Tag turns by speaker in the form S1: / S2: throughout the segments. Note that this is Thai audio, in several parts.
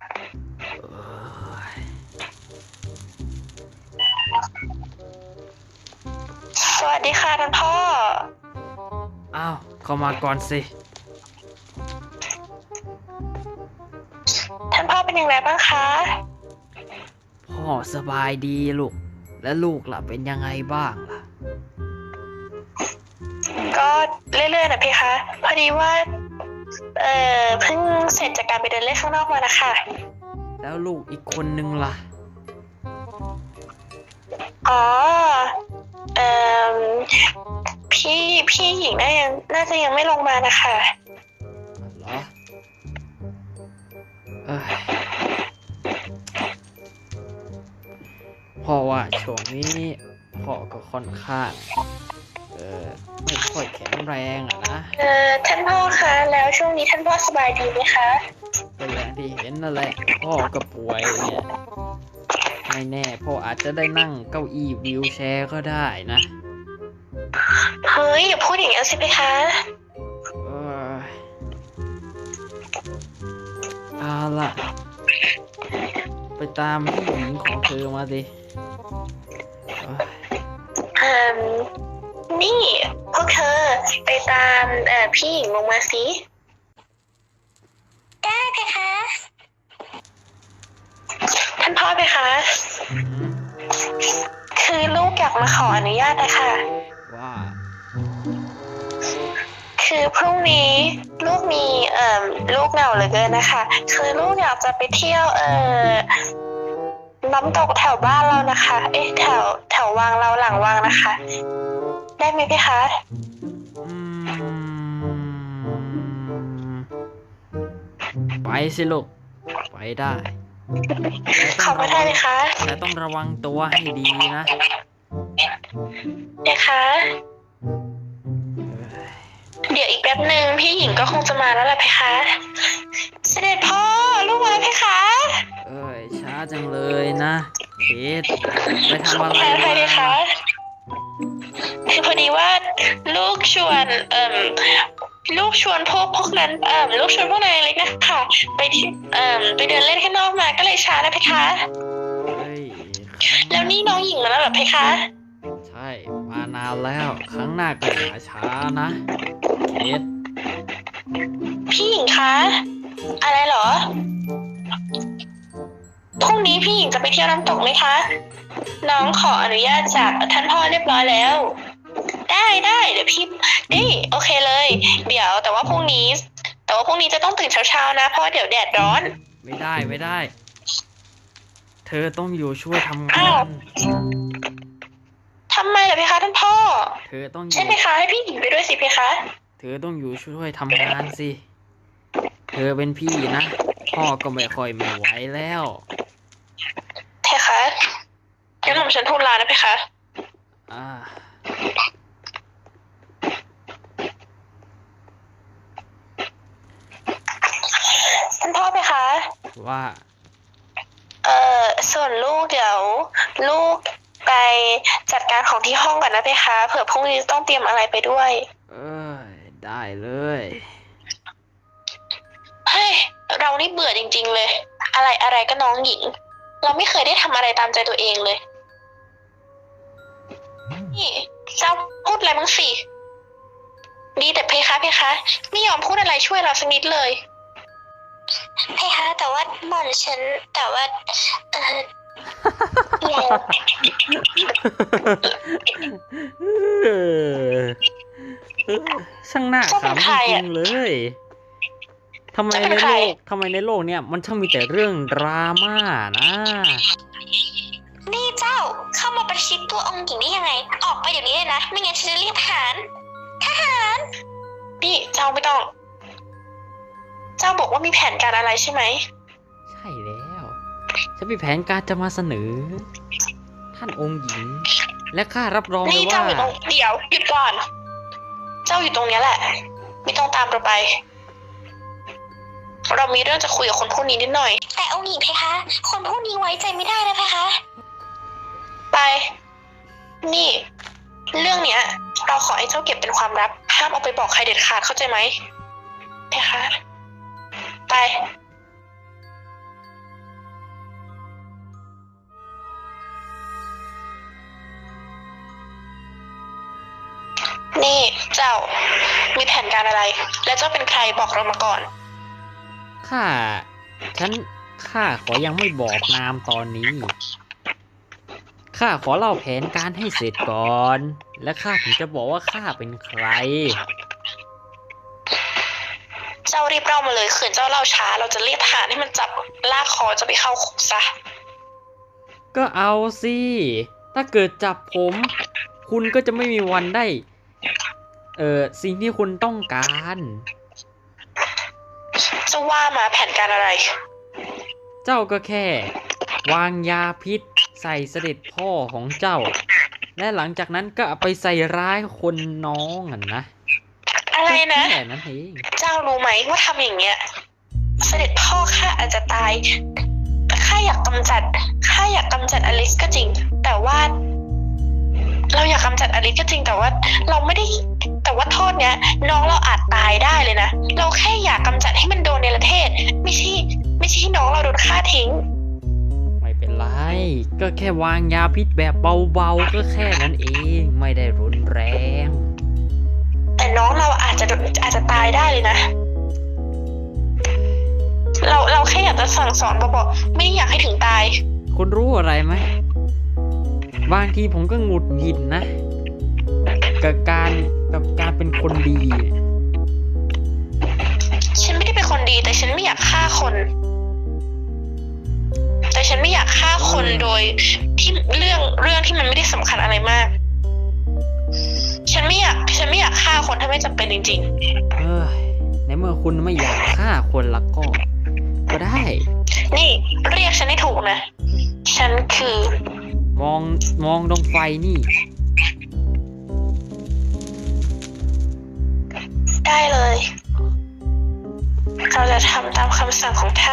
S1: เอ้ย
S2: สวัสดีค่ะท่านพ่อ
S1: อ้าวเข้ามาก่อนสิ
S2: ท่านพ่อเป็นยังไงบ้างคะ
S1: พ่อสบายดีลูก และลูกล่ะเป็นยังไงบ้างล่ะ
S2: ก็เรื่อยๆนะพี่คะพอดีว่าเพิ่งเสร็จจากการไปเดินเล่นข้างนอกมานะคะ
S1: แล้วลูกอีกคนนึงล่ะ
S2: อ๋อเอ่อพี่หญิงน่าจะยังไม่ลงมานะคะ
S1: เหรอเอ้ยพ่อว่าช่วงนี้พ่อก็ค่อนข้างไม่ค่อยแข็งแรงอะนะ
S2: ท่านพ่อคะแล้วช่วงนี้ท่านพ่อสบายดีไหมคะ
S1: ก็อย่างที่เห็นนั่นแหละพ่อก็ป่วยเนี่ยไม่แน่พ่ออาจจะได้นั่งเก้าอี้วีลแชร์ก็ได้นะ
S2: เฮ้ยอย่าพูดอย่างนั้นสิพี่คะ
S1: เอ้ยเอาล่ะ ไปตามผู้หญิงของเธอมาดิเอ้ย
S2: นี่พวกเธอไปตามพี่หญิงลงมาสิได้เพคะท่านพ่อเพคะคือลูกอยากมาขออนุญาตนะคะ
S1: ว่า
S2: คือพรุ่งนี้ลูกมีลูกเหงาเหลือเกินนะคะคือลูกอยากจะไปเที่ยวน้ำตกแถวบ้านเรานะคะแถววังเราหลังวังนะคะ ได้ไหมพี่คะ
S1: อืมไปสิลูก ไปได้
S2: ขอบพระทัยเลยคะ
S1: แต่ต้องระวังตัวให้ดีนะ
S2: เดี๋ยวคะเดี๋ยวอีกแป๊บหนึ่งพี่หญิงก็คงจะมาแล้วล่ะเพคะ เสด็จพ่อลูกมาแล้วเพคะ
S1: เอ้ยช้าจังเลยนะเพชรไปทำอะไร
S2: แพ้ใครเลยคะคือพอดีว่าลูกชวนลูกชวนพวกนั้นลูกชวนพวกนายเล็กนะคะไปที่ไปเดินเล่นข้างนอกมาก็เลยช้านะเพคะ
S1: เฮ้ย
S2: แล้วนี่น้องหญิงมาแล้วเหรอเพคะ
S1: ใช่ มานานแล้ว ครั้งหน้าก็อย่าช้านะเพชร
S2: พี่หญิงคะอะไรเหรอพรุ่งนี้พี่หญิงจะไปเที่ยวน้ำตกไหมคะน้องขออนุญาตจากท่านพ่อเรียบร้อยแล้ว ได้เดี๋ยวพี่นี่โอเคเลยเดี๋ยวแต่ว่าพรุ่งนี้จะต้องตื่นเช้าๆนะเพราะว่าเดี๋ยวแดดร้อน
S1: ไม่ได้ เธอต้องอยู่ช่วยทำงา
S2: อ้าวน ทำไมล่ะเพคะท่านพ่อ
S1: เธอต้องอ
S2: ใช่
S1: ยู่
S2: ไหมคะให้พี่หญิงไปด้วยสิเพคะ
S1: เธอต้องอยู่ช่วยทำงานสิ เธอเป็นพี่นะ พ่อก็ไม่ค่อยไม่ไหวแล้ว
S2: เพคะงั้นผมฉันทูลลานะเพคะ
S1: อ่า
S2: ท่านพ่อเพคะ
S1: ว่า
S2: ส่วนลูกเดี๋ยวลูกไปจัดการของที่ห้องก่อนนะเพคะเผื่อพรุ่งนี้ต้องเตรียมอะไรไปด้วย
S1: เอ้ย ได้เลย
S2: เฮ้ยเรานี่เบื่อจริงๆเลย อะไรก็น้องหญิง เราไม่เคยได้ทำอะไรตามใจตัวเองเลยนี่เจ้าพูดอะไรบ้างสิดีแต่เพคะไม่ยอมพูดอะไรช่วยเราสักนิดเลยเพคะแต่ว่าหม่อมฉันแต่ว่าเรา
S1: ช่างน่าขำจริงๆเลยทำไมในโลกเนี่ยมันช่างมีแต่เรื่องดราม่านะ
S2: นี่เจ้าเข้ามาประชิดตัวองค์หญิงได้ยังไง ออกไปเดี๋ยวนี้เลยนะ ไม่งั้นฉันจะเรียกทหารนี่เจ้าไม่ต้อง เจ้าบอกว่ามีแผนการอะไรใช่ไหม
S1: ใช่แล้วฉันมีแผนการจะมาเสนอ ท่านองค์หญิง และข้ารับรองเลย
S2: นี่
S1: ว่า
S2: เจ้าอยู่ตรงเดี๋ยวหยุดก่อน เจ้าอยู่ตรงนี้แหละ ไม่ต้องตามเราไป เรามีเรื่องจะคุยกับคนพวกนี้นิดหน่อย แต่องค์หญิงเพคะ คนพวกนี้ไว้ใจไม่ได้นะเพคะ ไป นี่ เรื่องเนี้ย เราขอให้เจ้าเก็บเป็นความลับ ห้ามเอาไปบอกใครเด็ดขาดเข้าใจไหมเพคะ ไปนี่เจ้ามีแผนการอะไร และเจ้าเป็นใครบอกเรามาก่อน
S1: ข้าขอยังไม่บอกนามตอนนี้ ข้าขอเล่าแผนการให้เสร็จก่อน และข้าถึงจะบอกว่าข้าเป็นใคร
S2: เจ้ารีบเล่ามาเลยขืนเจ้าเล่าช้าเราจะเรียกทหารให้มันจับลากคอจะไปเข้าคุกซะ
S1: ก็เอาสิ ถ้าเกิดจับผม คุณก็จะไม่มีวันได้ สิ่งที่คุณต้องการ
S2: เจ้าว่ามาแผนการอะไร
S1: เจ้าก็แค่ วางยาพิษใส่เสด็จพ่อของเจ้า และหลังจากนั้นก็เอาไปใส่ร้ายคนน้องนะ
S2: อะไรนะ
S1: แค่นั้นเอง
S2: เจ้ารู้ไหมว่าทำอย่างเงี้ย เสด็จพ่อข้าอาจจะตายข้าอยากกำจัดอลิสก็จริง แต่ว่า เราอยากกำจัดอลิสก็จริงแต่ว่า เราไม่ได้แต่ว่าโทษเนี้ย น้องเราอาจตายได้เลยนะเราแค่อยากกำจัดให้มันโดนในประเทศ ไม่ใช่ให้น้องเราโดนฆ่าทิ้ง
S1: ไม่เป็นไร ก็แค่วางยาพิษแบบเบาๆก็แค่นั้นเอง ไม่ได้รุนแรง
S2: แต่น้องเราอาจจะตายได้เลยนะ เราแค่อยากจะสั่งสอนบอกไม่ได้อยากให้ถึงตาย
S1: คุณรู้อะไรไหม บางทีผมก็หงุดหงิดนะ กับการเป็นคนดี
S2: ฉันไม่ได้เป็นคนดีแต่ฉันไม่อยากฆ่าคน แต่ฉันไม่อยากฆ่าคนโดยที่เรื่องที่มันไม่ได้สำคัญอะไรมาก ฉันไม่อยากฆ่าคนถ้าไม่จำเป็นจริง
S1: เอ้ยในเมื่อคุณไม่อยากฆ่าคนละก็ได้
S2: ๆ นี่เรียกฉันให้ถูกนะ ฉันคือ
S1: มองดวงไฟนี่
S2: ได้เลย เราจะทำตามคำสั่งของท่าน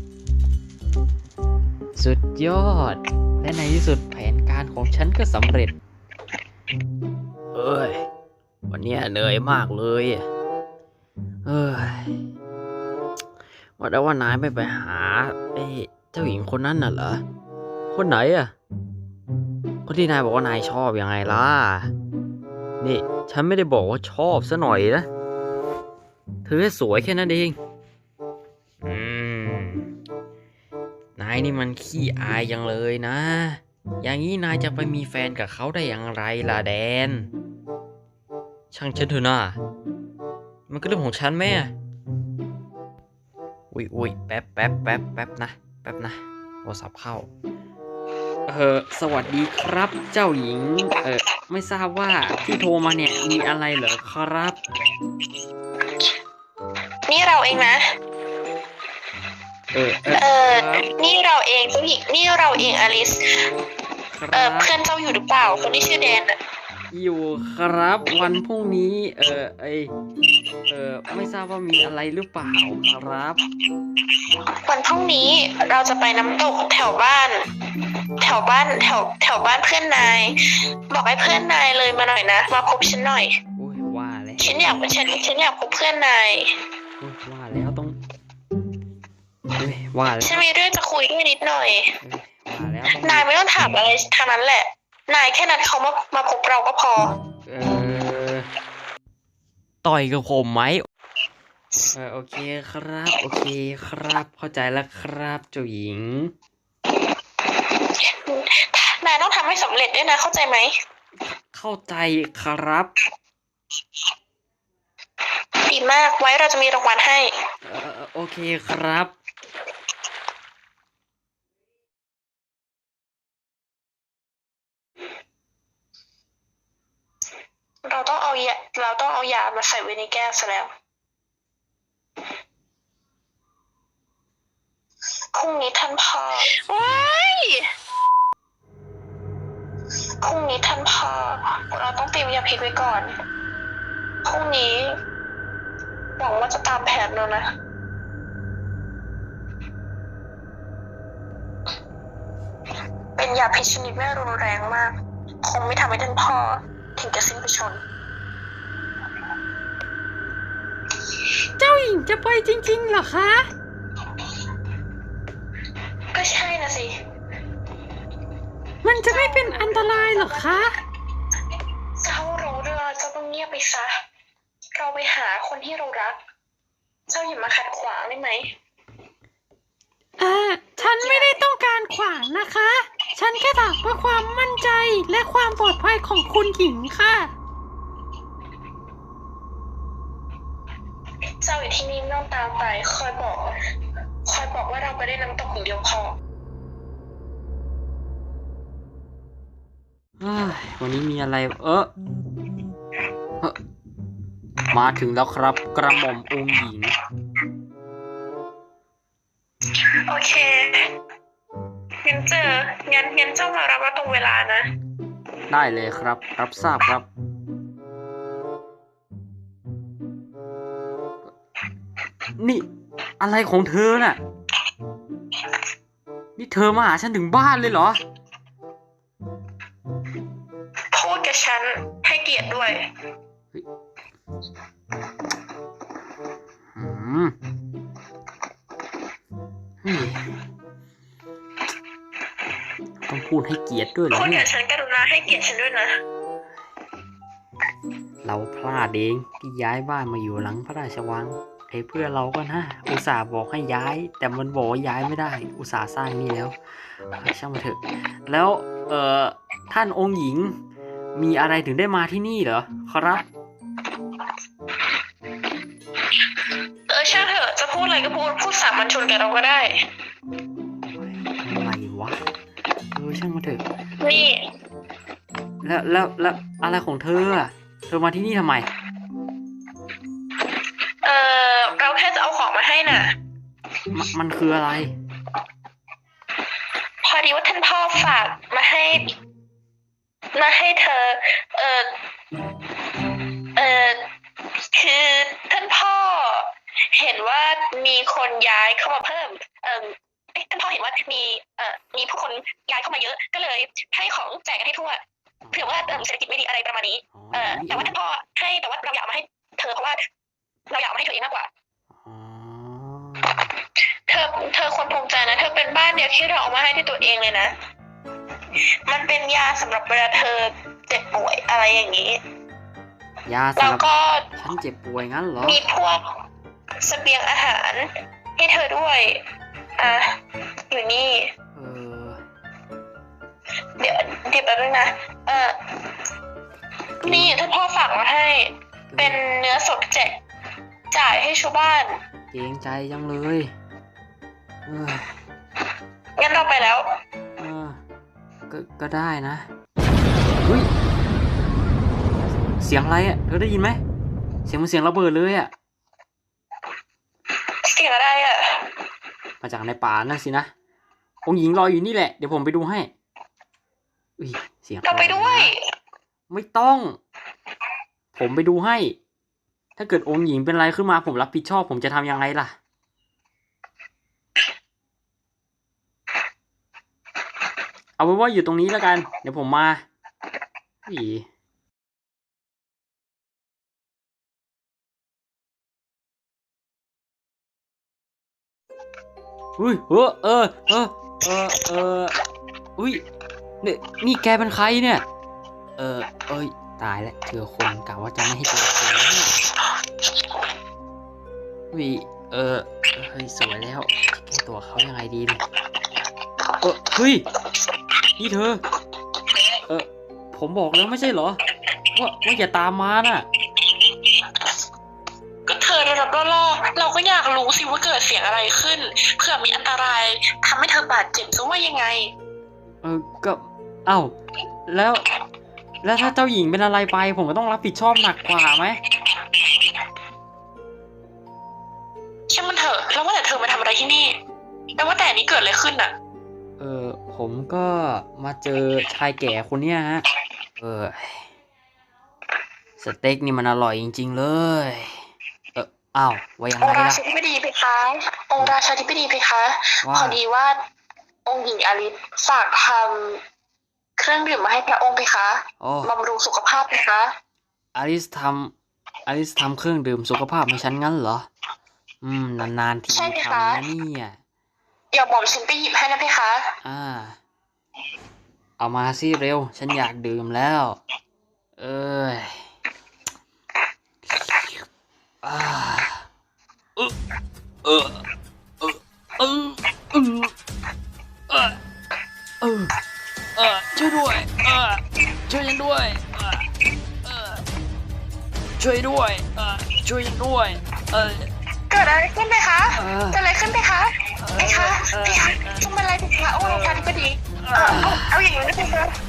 S1: สุดยอด และในที่สุดแผนการของฉันก็สำเร็จ เอ้ย วันนี้เหนื่อยมากเลยเอ้ยว่าแต่ว่านายไม่ไปหาเจ้าหญิงคนนั้นน่ะเหรอ คนไหนอ่ะ คนที่นายบอกว่านายชอบยังไงล่ะ นี่ฉันไม่ได้บอกว่าชอบซะหน่อยนะ เธอแค่สวยแค่นั้นเอง นายนี่มันขี้อายจังเลยนะ อย่างนี้นายจะไปมีแฟนกับเขาได้อย่างไรล่ะแดน ช่างฉันเถอะนะมันก็เรื่องของฉันแม่อุ้ยแป๊บนะโทรศัพท์เข้า สวัสดีครับเจ้าหญิง ไม่ทราบว่าที่โทรมาเนี่ยมีอะไรเหรอครับ
S2: นี่เราเองนะ นี่เราเองเจ้าหญิงนี่เราเองอลิส เพื่อนเจ้าอยู่หรือเปล่าคนที่ชื่อแดนอะ
S1: อยู่ครับวันพรุ่งนี้ไม่ทราบว่ามีอะไรหรือเปล่าครับ
S2: วันพรุ่งนี้เราจะไปน้ำตกแถวบ้านเพื่อนนาย บอกให้เพื่อนนายเลยมาหน่อยนะมาพบฉันหน่อย
S1: โอ้ยว่าแล้ว
S2: ฉันอยากพบเพื่อนนาย
S1: โอ้ยว่าแล้วต้องว่าแล้ว
S2: ฉันมีเรื่องจะคุยด้วยนิดหน่อย
S1: ว่าแล้ว
S2: นายไม่ต้องถามอะไรทางนั้นแหละ นายแค่นัดเขามาพบเราก็พอ
S1: ต่อยกับผมไหมโอเคครับเข้าใจแล้วครับเจ้าหญิง
S2: นายต้องทำให้สำเร็จด้วยนะเข้าใจไหม
S1: เข้าใจครับ
S2: ดีมากไว้เราจะมีรางวัลให้
S1: โอเคครับ
S2: เราต้องเอายามาใส่ไว้ในแก้วซะแล้วพรุ่งนี้ท่านพ่อพรุ่งนี้ท่านพ่อเราต้องเตรียมยาพิษไว้ก่อนพรุ่งนี้หวังว่าจะตามแผนเรานะเป็นยาพิษชนิดไม่รุนแรงมากคงไม่ทำให้ท่านพ่อถึงจะสิ้นพระชนม์
S1: เจ้าหญิงจะไปจริงๆเหรอคะ
S2: ก็ใช่นะสิ
S1: มันจะไม่เป็นอันตรายเหรอคะ
S2: เจ้ารู้เรื่องเจ้าต้องเงียบไปซะเราไปหาคนที่เรารัก เจ้าอย่ามาขัดขวางได้ไหม
S3: ฉันไม่ได้ต้องการขวางนะคะ ฉันแค่ถามเพื่อความมั่นใจและความปลอดภัยของคุณหญิงค่ะ
S2: เจ้าอยู่ที่นี่ไม่ต้องตามไปคอยบอกว่าเราไปได้น้ำตกอย่างเดียวพอ
S1: วันนี้มีอะไรเอ้อมาถึงแล้วครับกระหม่อมองค์หญิง
S2: โอเคงั้นเจ้ามารับว่าตรงเวลานะ
S1: ได้เลยครับ รับทราบครับ นี่อะไรของเธอน่ะ นี่เธอมาหาฉันถึงบ้านเลยเหรอ
S2: พูดกับฉันให้เกียรติด้วย
S1: อืมเฮ้ยต้องพูดให้เกียรติด้วยเหรอ
S2: พูด
S1: เนี่
S2: กั
S1: ย
S2: บฉันกรุณาให้เกียรติฉันด้วยนะ
S1: เราพลาดเองที่ย้ายบ้านมาอยู่หลังพระราชวังไอ้เพื่อนเราก็นะอุตส่าห์บอกให้ย้าย แต่มันบอกว่าย้ายไม่ได้ อุตส่าห์สร้างนี่แล้วช่างมันเถอะ แล้วท่านองค์หญิงมีอะไรถึงได้มาที่นี่เหรอครับ
S2: ช่างเถอะจะพูดอะไรก็พูดสามัญชนกับเราก็ได้
S1: อะไรวะช่างมันเถอะ
S2: นี่
S1: แล้วอะไรของเธออะเธอมาที่นี่ทำไม
S2: เราแค่จะเอาของมาให้น่ะ
S1: มันคืออะไร
S2: พอดีว่าท่านพ่อฝากมาให้เธอ คือท่านพ่อเห็นว่ามีคนย้ายเข้ามาเพิ่ม ท่านพ่อเห็นว่ามีผู้คนย้ายเข้ามาเยอะ ก็เลยให้ของแจกกันให้ทั่ว เผื่อว่าเศรษฐกิจไม่ดีอะไรประมาณนี้ แต่ว่าท่านพ่อให้แต่ว่าเราอยากมาให้เธอเพราะว่าเราอยากมาให้เธอเองมากกว่า เธอควรภูมิใจนะ เธอเป็นบ้านเดียวที่เราเอามาให้ที่ตัวเองเลยนะ มันเป็นยาสำหรับเวลาเธอเจ็บป่วยอะไรอย่างนี้
S1: ยา
S2: แล้ว
S1: สำหรับ
S2: ก็
S1: ฉันเจ็บป่วยงั้นเหรอ
S2: มีพวกเสบียงอาหารให้เธอด้วย อยู่นี่ เดี๋ยวแป๊บนึงนะ นี่ท่านพ่อฝากมาให้ เป็นเนื้อสดจ่ายให้ชาวบ้าน
S1: เกรงใจจังเลยเออ
S2: งั้นเราไปแล้ว
S1: เออก็ได้นะเฮ้ยเสียงอะไรอ่ะเธอได้ยินไหมเสียงมันเสียงระเบิดเลยอ่ะ
S2: เสียงอะไรอ่ะ
S1: มาจากในป่านั่นสินะองค์หญิงรออยู่นี่แหละเดี๋ยวผมไปดูให้อุ้ยเสียง
S2: เราไปด้วย
S1: ไม่ต้อง ผมไปดูให้ ถ้าเกิดองค์หญิงเป็นอะไรขึ้นมาผมรับผิดชอบผมจะทำยังไงล่ะเอาไว้ว่าอยู่ตรงนี้แล้วกัน เดี๋ยวผมมาอีอุ้ยอุ้ยนี่แกเป็นใครเนี่ย เอ้ยตายแล้วเจอคนกะว่าจะไม่ให้เจอคนเนี่ยอุ้ยเฮ้ยสวยแล้วแก้ตัวเขายังไงดีเนี่ยเฮ้ยนี่เธอผมบอกแล้วไม่ใช่เหรอว่าอย่าตามมาน่ะ
S2: ก็เธอระดับล่อเราก็อยากรู้สิว่าเกิดเสียงอะไรขึ้น เผื่อมีอันตรายทำให้เธอบาดเจ็บจะว่ายังไง
S1: ก็เอ้าแล้วถ้าเจ้าหญิงเป็นอะไรไปผมก็ต้องรับผิดชอบหนักกว่าไหม
S2: ช่างมันเถอะแล้วว่าแต่เธอมาทำอะไรที่นี่แล้วว่าแต่นี้เกิดอะไรขึ้นอ่ะ
S1: ผมก็มาเจอชายแก่คนเนี้ยฮะสเต็กนี่มันอร่อยจริงๆเลยอ้าวว่ายัง
S2: อง
S1: ไง
S2: ค์รา
S1: ล่ะ
S2: ชาธิบดีเพคะ องค์ราชาธิบดีเพคะ พอดีว่าองค์หญิงอลิซฝากทำเครื่องดื่มมาให้พระองค์เพคะ
S1: โอ้
S2: บำรุงสุขภาพเพคะ
S1: อลิสทำเครื่องดื่มสุขภาพให้ฉันงั้นเหรอ นานๆที
S2: ใช่ไหม
S1: ทำ
S2: คะ
S1: นะเนี่ย
S2: เดี๋ยวหม่อมฉันไปหยิบให้นะเพคะ
S1: เอามาสิเร็ว ฉันอยากดื่มแล้ว เอ้ยเออเออเออเออเออเออเออช่วยด้วยช่วยฉันด้วยเออช่วยด้วยช่วยฉันด้วย
S2: เกิดอะไรขึ้นไหมคะเกิดอะไรขึ้นไหมคะพี่คะทำอะไรผิดคะโอ้ลงทันพอดีเอาอย่างนี้นะคะ